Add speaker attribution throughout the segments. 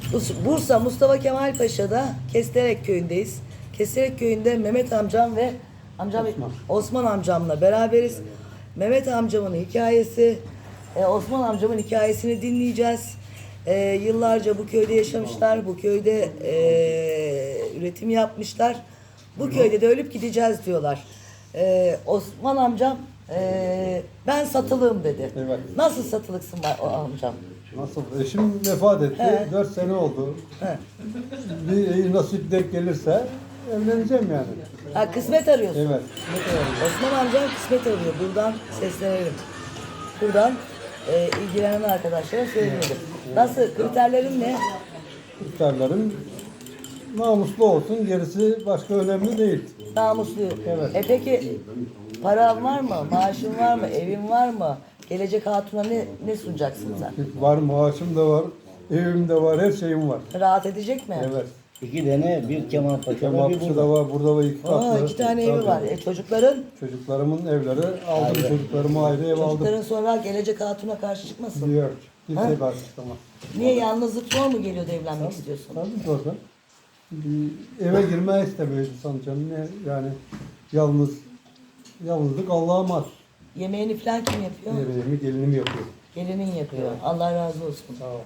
Speaker 1: Bursa Mustafa Kemal Paşa'da Kesterek köyündeyiz. Kesterek köyünde Mehmet amcam ve Osman amcamla beraberiz. Mehmet amcamın hikayesi, Osman amcamın hikayesini dinleyeceğiz. Yıllarca bu köyde yaşamışlar, bu köyde üretim yapmışlar. Bu köyde de ölüp gideceğiz diyorlar. Osman amcam ben satılığım dedi.
Speaker 2: Evet.
Speaker 1: Nasıl satılıksın o amcam?
Speaker 2: Nasıl? Eşim vefat etti.
Speaker 1: He.
Speaker 2: 4 sene oldu.
Speaker 1: He.
Speaker 2: Bir nasip denk gelirse evleneceğim yani.
Speaker 1: Ha, kısmet arıyorsun.
Speaker 2: Evet.
Speaker 1: Osman amcam kısmet arıyor. Buradan seslenelim. Buradan ilgilenen arkadaşlara söyleyelim. Nasıl? Kriterlerin ne?
Speaker 2: İftarlarım namuslu olsun. Gerisi başka önemli değil.
Speaker 1: Namuslu.
Speaker 2: Evet.
Speaker 1: Peki paran var mı? Maaşın var mı? Evin var mı? Gelecek hatuna ne sunacaksın sen?
Speaker 2: Var, maaşım da var. Evim de var. Her şeyim var.
Speaker 1: Rahat edecek mi?
Speaker 2: Evet.
Speaker 3: 2 tane, bir Kemal Paşa'da, bir
Speaker 2: Kemalpaşa'da
Speaker 3: burada.
Speaker 2: var. Burada var 2 katlı.
Speaker 1: Aa, 2 tane evi
Speaker 2: Tabii.
Speaker 1: var. Çocukların?
Speaker 2: Çocuklarımın evleri aldım. Çocuklarıma ayrı ev aldım.
Speaker 1: Çocukların sonra gelecek hatuna karşı çıkmasın.
Speaker 2: Diyor. Kimse karşı çıkamaz.
Speaker 1: Niye yalnızlık zor mu geliyor da evlenmek istiyorsun?
Speaker 2: Tabii zaten. Bir eve girmeye istemiyor insan canım. Yani yalnızlık Allah'a mahsus.
Speaker 1: Yemeğini falan kim yapıyor?
Speaker 2: Yemeğimi gelinim yapıyor.
Speaker 1: Gelinin yapıyor. Allah razı olsun.
Speaker 2: Sağ ol.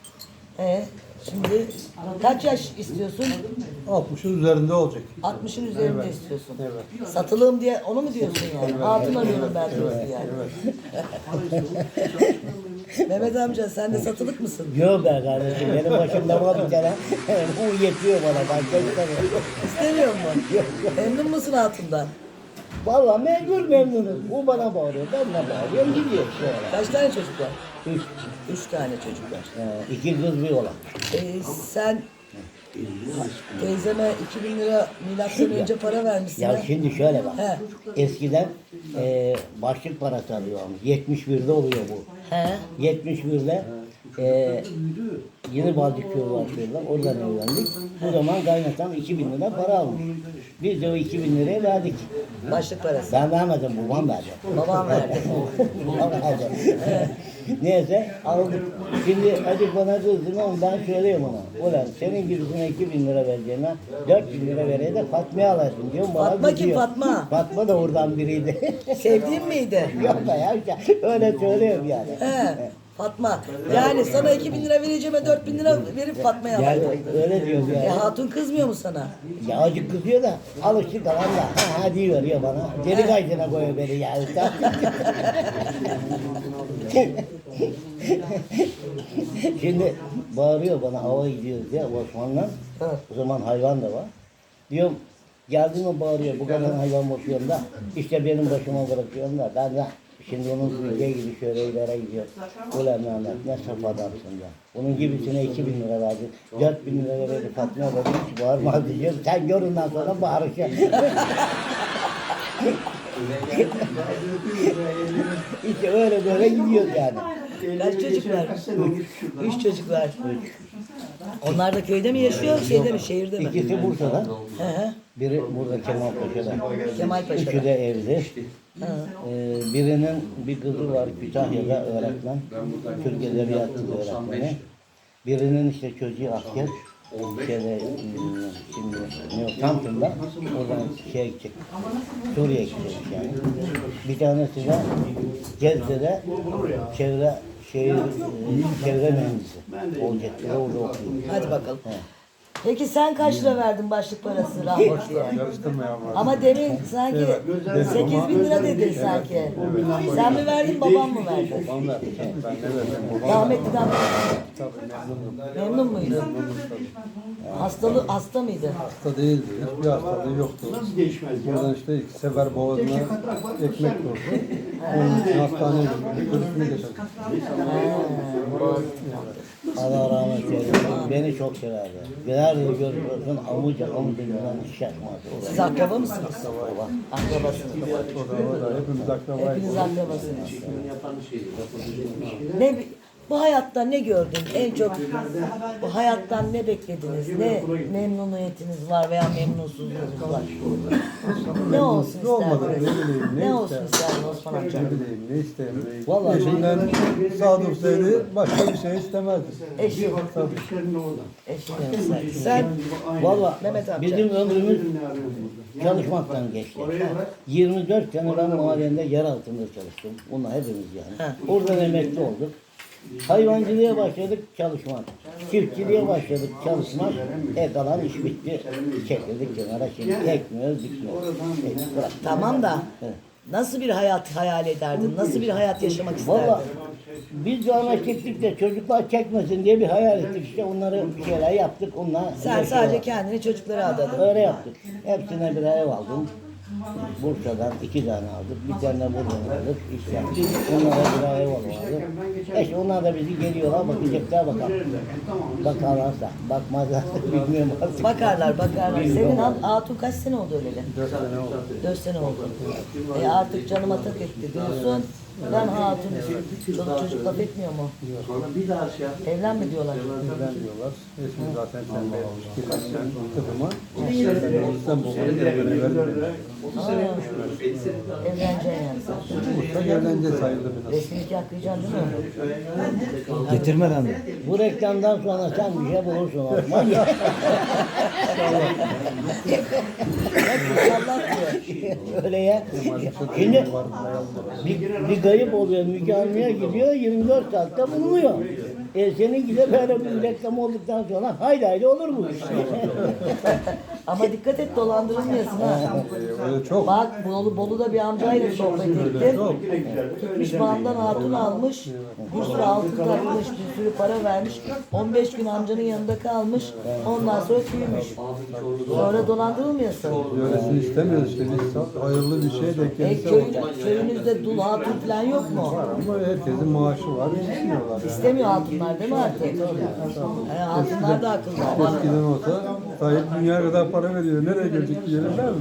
Speaker 1: Şimdi kaç yaş istiyorsun?
Speaker 2: 60'ın üzerinde olacak.
Speaker 1: 60'ın üzerinde
Speaker 2: Evet.
Speaker 1: istiyorsun.
Speaker 2: Evet.
Speaker 1: Satılığım diye onu mu diyorsun yani? Hatun arıyorum ben diyorsun yani.
Speaker 2: Evet.
Speaker 1: Mehmet amca sen de satılık mısın?
Speaker 3: Yok be kardeşim, benim başımda var bir tane. O yetiyor bana, ben istemiyorum.
Speaker 1: İstemiyor mu? Memnun musun hatundan?
Speaker 3: Vallahi mecbur memnunum. O bana bağırıyor, ben de bağırıyorum, gidiyor sonra.
Speaker 1: Kaç tane çocuk var?
Speaker 3: 3.
Speaker 1: 3 tane çocuk var.
Speaker 3: 2 kız bir oğlan.
Speaker 1: Sen teyzeme 2000 lira milattan önce para vermişsin.
Speaker 3: Ya
Speaker 1: ha?
Speaker 3: şimdi şöyle bak.
Speaker 1: He.
Speaker 3: Eskiden başlık parası alıyormuş. 71'de oluyor bu.
Speaker 1: He.
Speaker 3: 71'de yeni Balcıköy başlıyorlar. Oradan evlendik. O zaman kaynatam 2000 lira para almış. Biz de o 2000 liraya verdik.
Speaker 1: Başlık parası.
Speaker 3: Ben vermedim, babam verdi.
Speaker 1: Babam verdi.
Speaker 3: Babam verdi. Neyse aldık. Şimdi hadi bana kızdın ama ben söyleyeyim ona. Ulan senin gibisine 2000 lira vereceğine 4000 lira vereye de Fatma'ya alırsın diyorum. Bana
Speaker 1: Fatma kim,
Speaker 3: kızıyor.
Speaker 1: Fatma?
Speaker 3: Fatma da oradan biriydi.
Speaker 1: Sevdiğin miydi?
Speaker 3: Yok da ya işte öyle söylüyorum yani.
Speaker 1: He. Fatma. Yani sana 2000 lira vereceğime 4000 lira verip Fatma'ya
Speaker 3: Yani
Speaker 1: alayım.
Speaker 3: öyle diyorum yani.
Speaker 1: Hatun kızmıyor mu sana?
Speaker 3: Ya acık kızıyor da alıştık kalan da ha diyor ya bana. Deli kaydına koyuyor beni ya. Şimdi bağırıyor bana hava gidiyoruz ya Osman'la. O zaman hayvan da var. Diyorum geldi mi bağırıyor bu kadar hayvan bakıyorum da işte benim başıma bırakıyorum da ben de şimdi onun bildiği gibi şöyle ileri gidiyor. Ulan Mehmet ne saf adamsın ya. Onun gibisine 2000 lira verdi. 4000 lira verdi Fatma da hiç bağırmaz diyor. Sen gör ondan sonra bağırışa. İşte öyle böyle gidiyor yani.
Speaker 1: Kaç çocuk var? 3 çocuk var. Onlar da köyde mi yaşıyor, şeyde mi, şehirde mi?
Speaker 3: İkisi Bursa'da.
Speaker 1: Hı hı.
Speaker 3: Biri burada Kemalpaşa'da.
Speaker 1: Kemalpaşa'da.
Speaker 3: Üçü de evli. Birinin bir kızı var Kütahya'da öğretmen. Türk Edebiyatı öğretmeni. Birinin işte çocuğu asker. Şeyde, şimdi Samsun'da oradan şeye gidecek. Suriye'ye gidecek yani. Bir tanesi de Cezre'de çevre mühendisi olacak. Orada okuyor.
Speaker 1: Hadi bakalım. Peki sen kaç lira verdin başlık parası rahmetliye?
Speaker 2: Karıştırma ya.
Speaker 1: Ama demin sanki 8000 lira dedin sanki. Sen mi verdin, babam mı verdi?
Speaker 2: Babam verdi. Ben ne verdim?
Speaker 1: Rahmetliden
Speaker 2: Tabii memnunum.
Speaker 1: memnun muydun? Hasta mıydı?
Speaker 2: Hasta değildi. Hiçbir hastalığı yoktu. Buradan işte 2 sefer boğazına ekmek vurdu. Onun için hastaneye götürdük. Görüşme getirdik.
Speaker 3: Allah rahmet eylesin. Beni çok severdi. Nerede görüyorsun amuca yüzünden hiç şaşmaz.
Speaker 1: Siz akraba mısınız? Akrabasınız.
Speaker 2: O da hepimiz akrabayız.
Speaker 1: Hepiniz akrabasınız. Ne, Bu hayatta ne gördün? En çok bu hayattan ne beklediniz? Ne memnuniyetiniz var veya memnunsuzluğunuz var? Ne olsun
Speaker 2: Ne olmadı,
Speaker 1: isterdiniz?
Speaker 2: ne bileyim, ne
Speaker 1: Ne olsun
Speaker 2: ister?
Speaker 1: isterdin Osman amca?
Speaker 2: Ne bileyim, ne isteyeyim.
Speaker 3: Vallahi
Speaker 2: Eşinden sadıksaydı başka bir şey istemezdi.
Speaker 1: Eşi.
Speaker 2: Tabii.
Speaker 1: Eşi. Sen
Speaker 3: Valla
Speaker 1: Mehmet amca.
Speaker 3: bizim ömrümüz çalışmaktan geçti. 24 sene ben mahallende yer altında çalıştım. Bunlar hepimiz yani.
Speaker 1: Ha.
Speaker 3: Oradan emekli olduk. Hayvancılığa başladık, çalışmak. Çiftçiliğe başladık, çalışmak. Kalan iş bitti. Çekildik kenara, şimdi ekmiyoruz, dikmiyoruz. Bırak.
Speaker 1: tamam da
Speaker 3: Evet.
Speaker 1: nasıl bir hayat hayal ederdin? Nasıl bir hayat yaşamak isterdin?
Speaker 3: Valla biz de ona çektik de çocuklar çekmesin diye bir hayal ettik işte onları bir şeyler yaptık onlar.
Speaker 1: Sen sadece kendini çocuklara adadın.
Speaker 3: Öyle yaptık. Hepsine bir ev aldım. Bursa'dan 2 tane aldık. Bir tane de buradan aldık. İş yaptık. Onlara bir ev aldık. İşte onlar da bizi geliyorlar bakacaklar bakalım. Bakarlarsa, bakmazlarsa bilmiyorum artık.
Speaker 1: Bakarlar. Senin hatun kaç sene oldu öleli?
Speaker 2: 4 sene oldu.
Speaker 1: 4 sene oldu. Artık canıma tak etti diyorsun. Ben hatun istiyorum. Çoluk çocuk laf etmiyor mu? Evlenme diyorlar.
Speaker 2: Bizden diyorlar. Eşim zaten tembih olmuş. Kirlisinden kızıma. İstanbul'un evine verdim.
Speaker 1: Evleneceksin yani sen.
Speaker 2: Usta evlenince sayıldı biraz.
Speaker 1: Resmi nikah kıyacaksın değil mi?
Speaker 4: Getirmeden de.
Speaker 3: Bu reklamdan sonra sen bir şey bulursun Osman.
Speaker 1: Allah diyor.
Speaker 3: Öyle ya. Şimdi bir kayıp oluyor, Müge Anlı'ya gidiyor, 24 saatte bulunuyor. Senin gibi böyle bir reklam olduktan sonra haydi olur bu iş.
Speaker 1: Ama dikkat et dolandırılmıyorsun ha.
Speaker 2: Öyle çok.
Speaker 1: Bak Bolu'da bir amcayla sohbet ettim. Gitmiş bağımdan hatun almış. Bir sürü altın takmış, bir sürü para vermiş. 15 gün amcanın yanında kalmış. Ondan sonra tüymüş. Sonra dolandırılmıyorsun.
Speaker 2: Öylesini istemiyoruz işte. Biz hayırlı bir şey de kendisi
Speaker 1: Köyünüzde dul hatun falan yok mu?
Speaker 2: Ama herkesin maaşı var. İstemiyorlar yani.
Speaker 1: İstemiyor hatunlar değil mi artık? Hatunlar da akıllı.
Speaker 2: Eskiden olsa sahip dünya kadar para veriyor. Nereye gelecek diyelim der mi?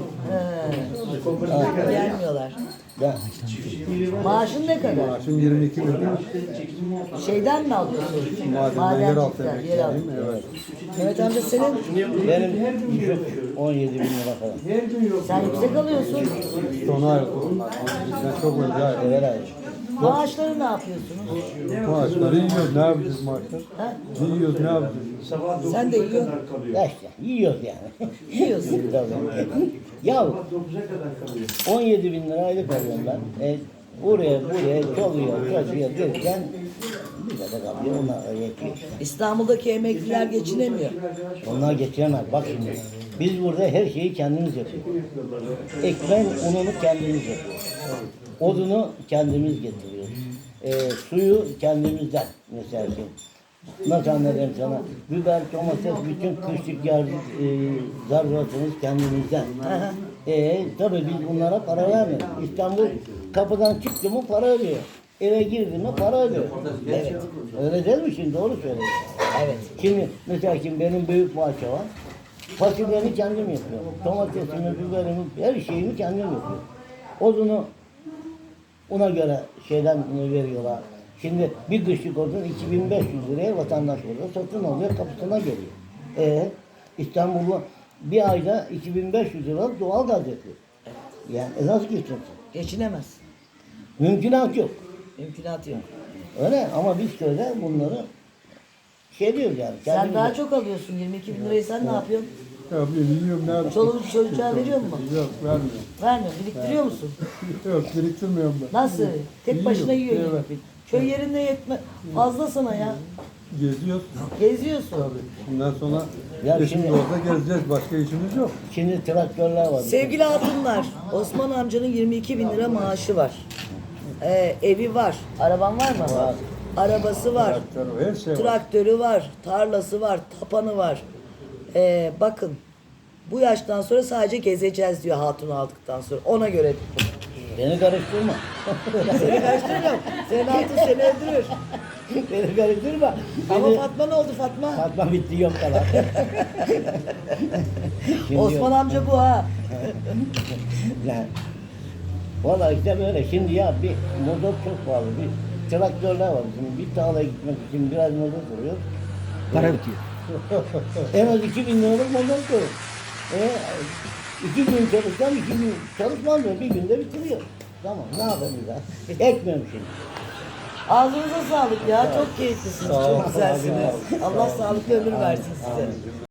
Speaker 1: Gelmiyorlar.
Speaker 3: Ya,
Speaker 1: Maaşın ne kadar?
Speaker 2: Maaşım 22 bin lira.
Speaker 1: Şeyden mi alıyorsun?
Speaker 2: Madenden yeraltı
Speaker 1: Madencilikten, yeraltı.
Speaker 2: emekliyim. Evet.
Speaker 1: Mehmet amca senin,
Speaker 3: benim düşük 17 bin lira falan.
Speaker 1: sen yüksek alıyorsun.
Speaker 2: Sona ayrıldı onlar. Bizden çok önce ayrıldı.
Speaker 3: Evet hayır.
Speaker 1: Maaşları ne yapıyorsunuz?
Speaker 2: Maaşları yiyoruz. Ne yapacağız maaşlar?
Speaker 1: Ha?
Speaker 2: Yiyoruz ne yapacağız?
Speaker 1: Sen de yiyorsun.
Speaker 3: Ya işte yiyoruz yani.
Speaker 1: Yiyorsun.
Speaker 3: Ya 17 bin lira aylık alıyorum ben. Oraya buraya çalıyor derken bize de kalıyor onlar yetiyor işte.
Speaker 1: İstanbul'daki emekliler geçinemiyor.
Speaker 3: Onlar getiremez. Bak şimdi biz burada her şeyi kendimiz yapıyoruz. Ekmeğin ununu kendimiz yapıyoruz. Odunu kendimiz getiriyoruz. Suyu kendimizden mesela şimdi. Nasıl anlatayım sana? Biber, domates, bütün kışlık zaruratımız kendimizden. Tabii biz bunlara para vermiyoruz. İstanbul kapıdan çıktı mı para ödüyor. Eve girdi mi para ödüyor. Evet. Öyle değil mi şimdi? Doğru söylüyorsun.
Speaker 1: Evet.
Speaker 3: Şimdi mesela şimdi benim büyük bahçe var. Fasulyemi kendim yapıyorum. Domatesimi, biberimi, her şeyimi kendim yapıyorum. Odunu ona göre şeyden veriyorlar. Şimdi bir kışlık odun 2500 liraya vatandaş orada satın alıyor, kapısına geliyor. İstanbul'u bir ayda 2500 lira doğal gaz yapıyor. Yani nasıl geçiyorsun?
Speaker 1: Geçinemez.
Speaker 3: Mümkünat yok.
Speaker 1: Mümkünatı yok.
Speaker 3: Öyle ama biz köyde bunları şey diyoruz yani.
Speaker 1: Sen
Speaker 3: kendimiz
Speaker 1: daha
Speaker 3: yapıyoruz.
Speaker 1: çok alıyorsun. 22 bin lirayı sen ne yapıyorsun?
Speaker 2: Ya ben yiyorum ne yapacağız?
Speaker 1: Çoluğu çocuğa veriyor mu?
Speaker 2: Yok vermiyorum.
Speaker 1: Vermiyor. Biriktiriyor musun?
Speaker 2: Yok biriktirmiyorum ben.
Speaker 1: Nasıl? Tek başına yiyor.
Speaker 2: Evet.
Speaker 1: Köy yerinde yetme. Fazla sana ya.
Speaker 2: Geziyoruz.
Speaker 1: Geziyorsun.
Speaker 2: Tabii. Bundan sonra
Speaker 3: Ya
Speaker 2: eşimiz
Speaker 3: şimdi-
Speaker 2: olsa gezeceğiz. Başka işimiz yok.
Speaker 3: Şimdi traktörler var.
Speaker 1: Sevgili hatunlar, Osman amcanın 22 bin lira maaşı var. Evi var. Araban var mı?
Speaker 3: Var.
Speaker 1: Arabası var.
Speaker 2: Traktör, her şey var.
Speaker 1: Traktörü var. Tarlası var. Tapanı var. Bakın. Bu yaştan sonra sadece gezeceğiz diyor hatun aldıktan sonra. Ona göre.
Speaker 3: Beni karıştırma.
Speaker 1: Seni karıştırmıyorum. Senin hatun seni öldürür.
Speaker 3: Beni karıştırma.
Speaker 1: Ama
Speaker 3: Beni...
Speaker 1: Fatma ne oldu Fatma?
Speaker 3: Fatma bitti yok kadar. Şimdi
Speaker 1: Osman amca bu ha.
Speaker 3: yani, valla işte böyle şimdi ya bir motor çok pahalı bir traktörler var. Şimdi bir tarlaya gitmek için biraz motor duruyor.
Speaker 4: Para bitiyor.
Speaker 3: En az 2000 liralık motor duruyor. 2 gün çalışsam 2 gün çalışmam diyor. Bir günde bitiriyor. Tamam ne yapayım ya? Ekmiyorum şimdi.
Speaker 1: Ağzınıza sağlık ya. Çok keyiflisiniz.
Speaker 3: Sağ ol.
Speaker 1: Çok güzelsiniz. Allah sağlıklı ömür versin size.